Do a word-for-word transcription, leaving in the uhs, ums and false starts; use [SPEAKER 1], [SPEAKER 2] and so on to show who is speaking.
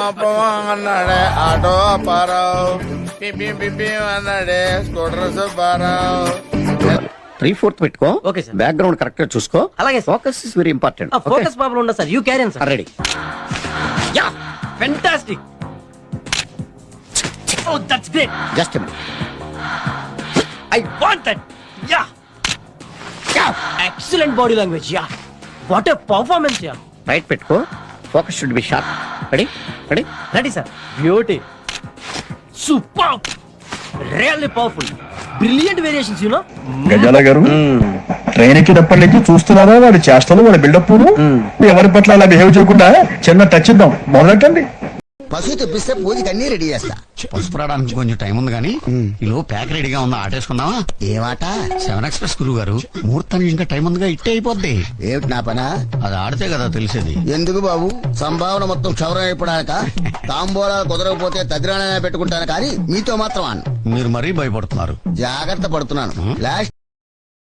[SPEAKER 1] అన్నాడే ఆటో అప్పారావు, పిపి పిపి అన్నాడే స్కూటర్ సుబ్బారావు.
[SPEAKER 2] త్రీ ఫోర్త్ పెట్టుకో.
[SPEAKER 3] Okay sir.
[SPEAKER 2] బ్యాక్గ్రౌండ్ కరెక్ట్ గా చూసుకో.
[SPEAKER 3] అలాగే సార్.
[SPEAKER 2] Focus is very important.
[SPEAKER 3] Focus problem ఉండదు sir. You carry sir.
[SPEAKER 2] Ready.
[SPEAKER 3] Ya fantastic. Oh that's great.
[SPEAKER 2] Just
[SPEAKER 3] I want that. Ya excellent body language. Ya what a performance. Ya
[SPEAKER 2] right పెట్టుకో. Focus should be sharp. Ready ready
[SPEAKER 3] ready sir. Beauty super really powerful brilliant variations you know.
[SPEAKER 4] Gazala garu train ఎక్కేటప్పటి నుంచి చూస్తున్నారా వాడి చేష్టలు వాడి buildup ఎవరి పట్ల అలా behave చేయకుండా చిన్న టచ్ ఇద్దాం మొదలెట్టండి.
[SPEAKER 5] పశువు తెప్పిస్తే పూజకి అన్ని రెడీ చేస్తా.
[SPEAKER 6] పసుపు రావడానికి కొంచెం టైం ఉంది కానీ ఈలో ప్యాక్ రెడీగా ఉందా ఆటేసుకుందామా?
[SPEAKER 5] ఏమాట
[SPEAKER 6] సెవెన్ ఎక్స్ప్రెస్ గురువు గారు ముహూర్తానికి ఇంకా టైం ఉందిగా, ఇట్టే అయిపోద్ది.
[SPEAKER 5] ఏమిటి నా పనా?
[SPEAKER 6] అది ఆడితే కదా తెలిసేది.
[SPEAKER 5] ఎందుకు బాబు సంభావన మొత్తం క్షవరం అయిపోడాక తాంబూలా కుదరకపోతే తదిరాణనే పెట్టుకుంటాను కానీ మీతో మాత్రం అన్న.
[SPEAKER 6] మీరు మరీ భయపడుతున్నారు.
[SPEAKER 5] జాగ్రత్త పడుతున్నాను. లాస్ట్